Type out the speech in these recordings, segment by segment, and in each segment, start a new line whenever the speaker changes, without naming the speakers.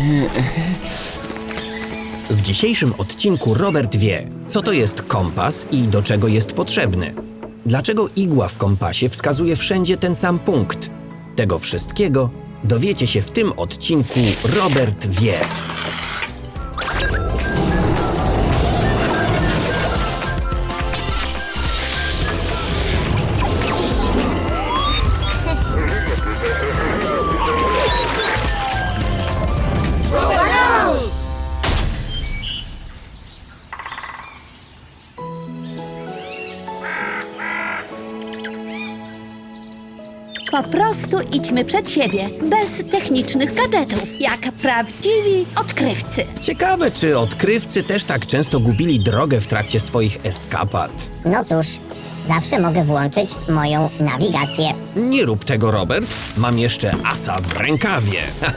W dzisiejszym odcinku Robert wie, co to jest kompas i do czego jest potrzebny. Dlaczego igła w kompasie wskazuje wszędzie ten sam punkt. Tego wszystkiego dowiecie się w tym odcinku Robert wie.
Po prostu idźmy przed siebie, bez technicznych gadżetów, jak prawdziwi odkrywcy.
Ciekawe, czy odkrywcy też tak często gubili drogę w trakcie swoich eskapad.
No cóż, zawsze mogę włączyć moją nawigację.
Nie rób tego, Robert. Mam jeszcze asa w rękawie.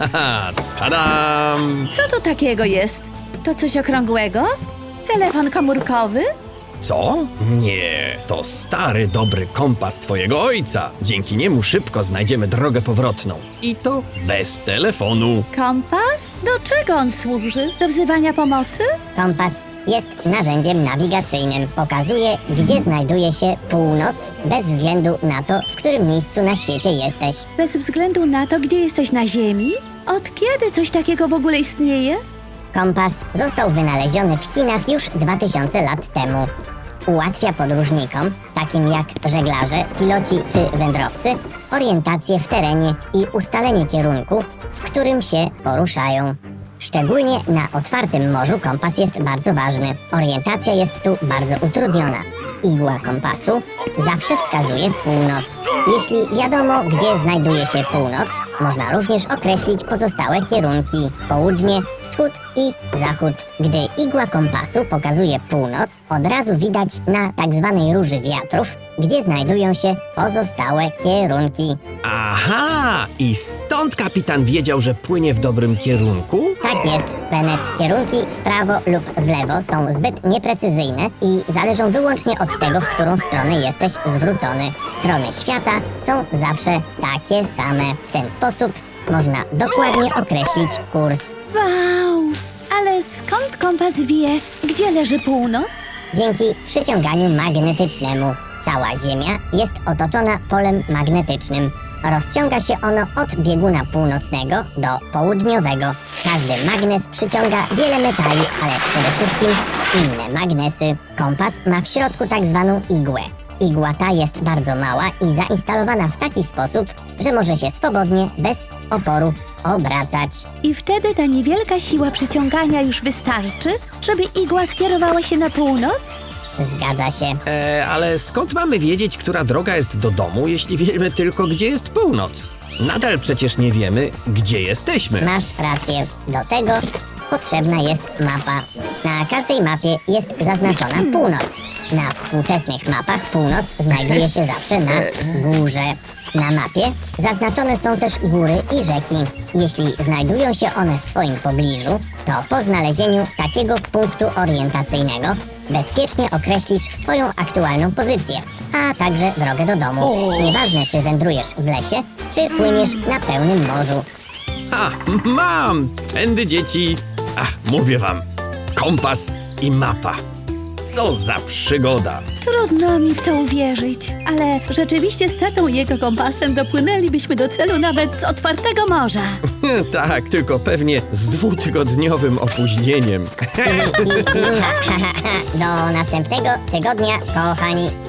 Tadam!
Co to takiego jest? To coś okrągłego? Telefon komórkowy?
Co? Nie, to stary, dobry kompas twojego ojca. Dzięki niemu szybko znajdziemy drogę powrotną. I to bez telefonu.
Kompas? Do czego on służy? Do wzywania pomocy?
Kompas jest narzędziem nawigacyjnym. Pokazuje, gdzie znajduje się północ, bez względu na to, w którym miejscu na świecie jesteś.
Bez względu na to, gdzie jesteś na Ziemi? Od kiedy coś takiego w ogóle istnieje?
Kompas został wynaleziony w Chinach już 2000 lat temu. Ułatwia podróżnikom, takim jak żeglarze, piloci czy wędrowcy, orientację w terenie i ustalenie kierunku, w którym się poruszają. Szczególnie na otwartym morzu kompas jest bardzo ważny. Orientacja jest tu bardzo utrudniona. Igła kompasu zawsze wskazuje północ. Jeśli wiadomo, gdzie znajduje się północ, można również określić pozostałe kierunki: południe, wschód i zachód. Gdy igła kompasu pokazuje północ, od razu widać na tak zwanej róży wiatrów, gdzie znajdują się pozostałe kierunki.
Aha! I stąd kapitan wiedział, że płynie w dobrym kierunku?
Tak jest, Bennett. Kierunki w prawo lub w lewo są zbyt nieprecyzyjne i zależą wyłącznie od tego, w którą stronę jesteś zwrócony. Strony świata są zawsze takie same. W ten sposób można dokładnie określić kurs.
Wow! Ale skąd kompas wie, gdzie leży północ?
Dzięki przyciąganiu magnetycznemu. Cała Ziemia jest otoczona polem magnetycznym. Rozciąga się ono od bieguna północnego do południowego. Każdy magnes przyciąga wiele metali, ale przede wszystkim inne magnesy. Kompas ma w środku tak zwaną igłę. Igła ta jest bardzo mała i zainstalowana w taki sposób, że może się swobodnie, bez oporu obracać.
I wtedy ta niewielka siła przyciągania już wystarczy, żeby igła skierowała się na północ?
Zgadza się.
Ale skąd mamy wiedzieć, która droga jest do domu, jeśli wiemy tylko, gdzie jest północ? Nadal przecież nie wiemy, gdzie jesteśmy.
Masz rację. Do tego potrzebna jest mapa. Na każdej mapie jest zaznaczona północ. Na współczesnych mapach północ znajduje się zawsze na górze. Na mapie zaznaczone są też góry i rzeki. Jeśli znajdują się one w twoim pobliżu, to po znalezieniu takiego punktu orientacyjnego bezpiecznie określisz swoją aktualną pozycję, a także drogę do domu. Nieważne, czy wędrujesz w lesie, czy płyniesz na pełnym morzu.
A, mam! Tędy, dzieci! Ach, mówię wam, kompas i mapa. Co za przygoda!
Trudno mi w to uwierzyć, ale rzeczywiście z tatą i jego kompasem dopłynęlibyśmy do celu nawet z otwartego morza.
Tak, tylko pewnie z 2-tygodniowym opóźnieniem.
Do następnego tygodnia, kochani.